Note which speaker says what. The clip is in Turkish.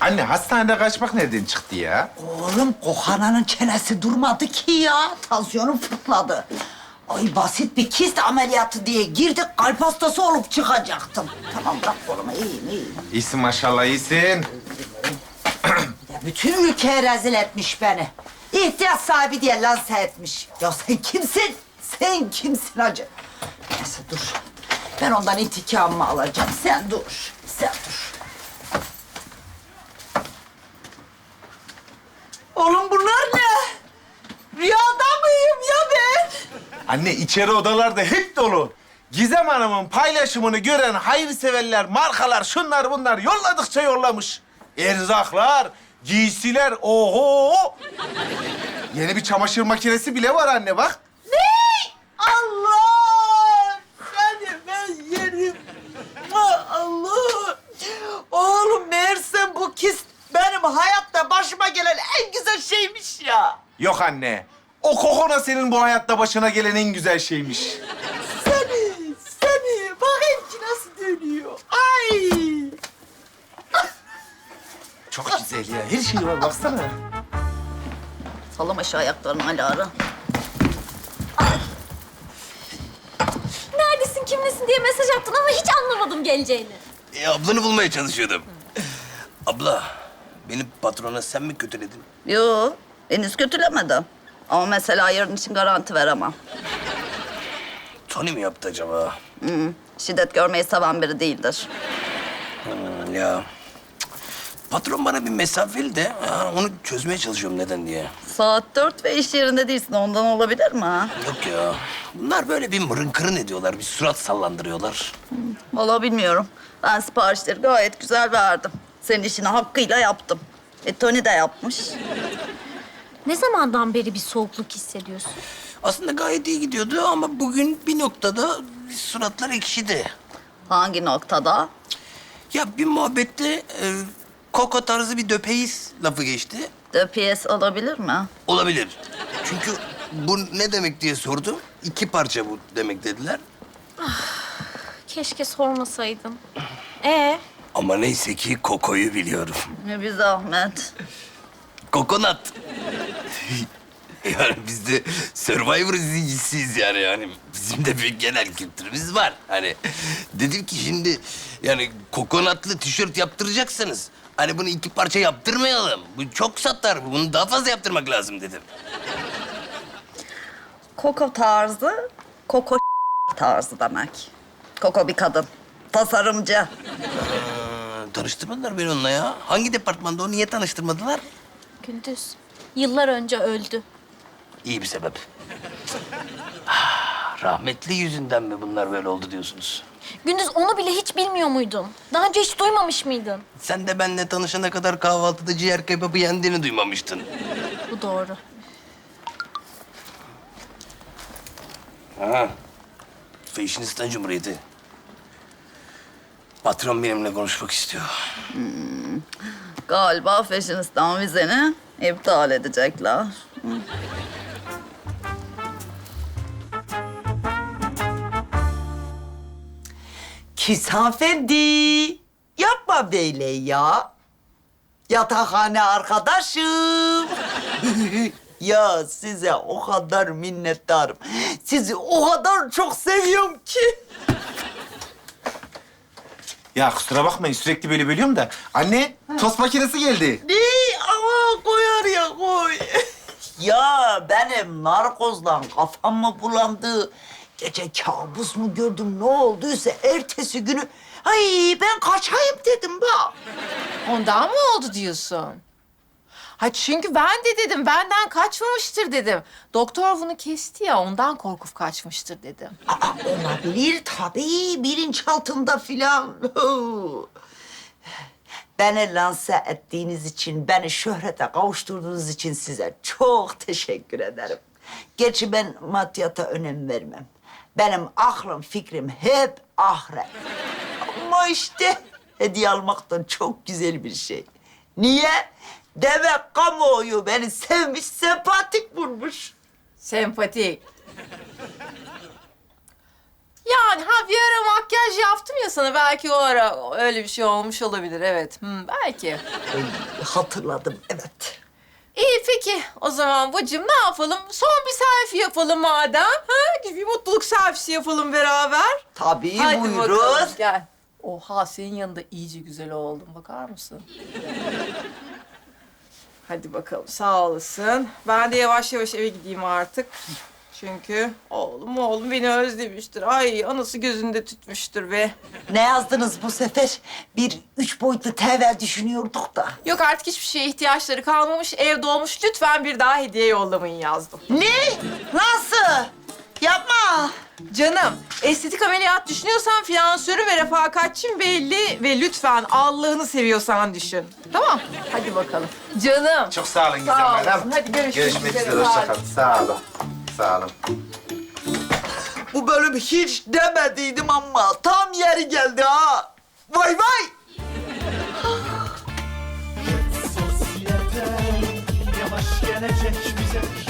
Speaker 1: Anne hastanede kaçmak nereden çıktı ya?
Speaker 2: Oğlum Kohana'nın çenesi durmadı ki ya. Tansiyonum fırladı. Ay basit bir kist ameliyatı diye girdik, kalp hastası olup çıkacaktım. Tamam bırak kolumu, iyiyim.
Speaker 1: İyisin maşallah, iyisin.
Speaker 2: Ya bütün ülkeye rezil etmiş beni. İhtiyaç sahibi diye lanse etmiş. Ya sen kimsin? Sen kimsin hacı? Neyse dur. Ben ondan intikamımı alacağım. Sen dur. Sen dur. Oğlum bunlar ne? Rüyada mıyım ya ben?
Speaker 1: Anne içeri odalarda hep dolu. Gizem Hanım'ın paylaşımını gören hayırseverler, markalar, şunlar bunlar yolladıkça yollamış. Erzaklar, giysiler, oho! Yeni bir çamaşır makinesi bile var anne bak.
Speaker 2: Allah! Seni ben yerim. Allah! Oğlum meğersem bu kist benim hayatta başıma gelen en güzel şeymiş ya.
Speaker 1: Yok anne, o kokona senin bu hayatta başına gelen en güzel şeymiş.
Speaker 2: Seni bakayım ki nasıl dönüyor. Ay!
Speaker 1: Çok güzel ya, her şey var baksana.
Speaker 2: Sallama şu ayaklarını Alara.
Speaker 3: Neredesin, kimlesin diye mesaj attın ama hiç anlamadım geleceğini.
Speaker 4: Ablanı bulmaya çalışıyordum. Abla, beni patrona sen mi kötüledin?
Speaker 5: Yo, henüz kötülemedim. Ama mesela yarın için garanti veremem.
Speaker 4: Tony mi yaptı acaba?
Speaker 5: Şiddet görmeyi seven biri değildir.
Speaker 4: Ya. Patron bana bir mesafeli de onu çözmeye çalışıyorum neden diye.
Speaker 5: Saat 4 ve iş yerinde değilsin. Ondan olabilir mi?
Speaker 4: Yok ya. Bunlar böyle bir mırın kırın ediyorlar, bir surat sallandırıyorlar.
Speaker 5: Vallahi bilmiyorum. Ben siparişleri gayet güzel verdim. Senin işini hakkıyla yaptım. Tony de yapmış.
Speaker 3: Ne zamandan beri bir soğukluk hissediyorsun?
Speaker 4: Aslında gayet iyi gidiyordu ama bugün bir noktada suratlar ekşidi.
Speaker 5: Hangi noktada?
Speaker 4: Ya bir muhabbette Koko tarzı bir döpeyiz lafı geçti.
Speaker 5: DPS olabilir mi?
Speaker 4: Olabilir. Çünkü bu ne demek diye sordum. 2 parça bu demek dediler.
Speaker 3: Keşke sormasaydın.
Speaker 4: Ama neyse ki Koko'yu biliyorum.
Speaker 5: Bir zahmet.
Speaker 4: Kokonat. Yani biz de Survivor izleyicisiyiz yani bizim de bir genel kültürümüz var. Hani dedim ki şimdi yani kokonatlı tişört yaptıracaksınız. Hani bunu 2 parça yaptırmayalım. Bu çok satar. Bunu daha fazla yaptırmak lazım dedim.
Speaker 5: Koko tarzı, Koko tarzı demek. Koko bir kadın. Tasarımcı.
Speaker 4: Tanıştırmadılar beni onunla ya. Hangi departmanda o? Niye tanıştırmadılar?
Speaker 3: Gündüz, yıllar önce öldü.
Speaker 4: İyi bir sebep. Rahmetli yüzünden mi bunlar böyle oldu diyorsunuz?
Speaker 3: Gündüz onu bile hiç bilmiyor muydun? Daha önce hiç duymamış mıydın?
Speaker 4: Sen de benimle tanışana kadar kahvaltıda ciğer kebabı yendiğini duymamıştın.
Speaker 3: Bu doğru.
Speaker 4: Ha. Fashionistan Cumhuriyeti. Patron benimle konuşmak istiyor.
Speaker 5: Galiba Fashionistan vizeni iptal edecekler.
Speaker 2: Hanımefendi, yapma böyle ya. Yatakhane arkadaşım. Ya size o kadar minnettarım. Sizi o kadar çok seviyorum ki.
Speaker 1: Ya kusura bakmayın sürekli böyle bölüyorum da. Anne, tost makinesi geldi.
Speaker 2: Ne? Ama koy oraya koy. Ya benim narkozla kafam mı bulandı? Gece kabus mu gördüm ne olduysa ertesi günü... Ay ben kaçayım dedim bak.
Speaker 6: Ondan mı oldu diyorsun? Ha çünkü ben de dedim, benden kaçmamıştır dedim. Doktor bunu kesti ya, ondan korkup kaçmıştır dedim.
Speaker 2: Aa, olabilir tabii bilinçaltında filan. Beni lanse ettiğiniz için, beni şöhrete kavuşturduğunuz için size çok teşekkür ederim. Gerçi ben maddiyata önem vermem. Benim aklım, fikrim hep ahiret. Ama işte hediye almaktan çok güzel bir şey. Niye? Demek kamuoyu beni sevmiş, sempatik bulmuş.
Speaker 6: Sempatik. Yani bir ara makyaj yaptım ya sana. Belki o ara öyle bir şey olmuş olabilir. Evet. Belki.
Speaker 2: Hatırladım, evet.
Speaker 6: İyi peki. O zaman bacım ne yapalım? Son bir selfie yapalım madem. Bir mutluluk selfiesi yapalım beraber.
Speaker 2: Tabii,
Speaker 6: Hadi
Speaker 2: buyurun.
Speaker 6: bakalım gel. Oha senin yanında iyice güzel oldum. Bakar mısın? Hadi bakalım sağ olasın. Ben de yavaş yavaş eve gideyim artık. Çünkü oğlum beni özlemiştir. Ay anası gözünde tütmüştür be.
Speaker 2: Ne yazdınız bu sefer? Bir 3 boyutlu TV düşünüyorduk da.
Speaker 6: Yok artık hiçbir şeye ihtiyaçları kalmamış. Ev dolmuş. Lütfen bir daha hediye yollamayın yazdım.
Speaker 2: Ne? Nasıl? Yapma.
Speaker 6: Canım, estetik ameliyat düşünüyorsan finansörü ve refakatçim belli ve lütfen Allah'ını seviyorsan düşün. Tamam, hadi bakalım. Canım.
Speaker 1: Çok sağ olun Gizem
Speaker 6: Sağ
Speaker 1: Hanım.
Speaker 6: olasın. Hadi görüşmek
Speaker 1: Görüşmek
Speaker 6: üzere.
Speaker 1: üzere. Hoşça kalın. Sağ olun. Sağ olun.
Speaker 2: Bu bölüm hiç demediydim ama tam yeri geldi ha. Vay vay.
Speaker 7: Sosyete yavaş gelecek bize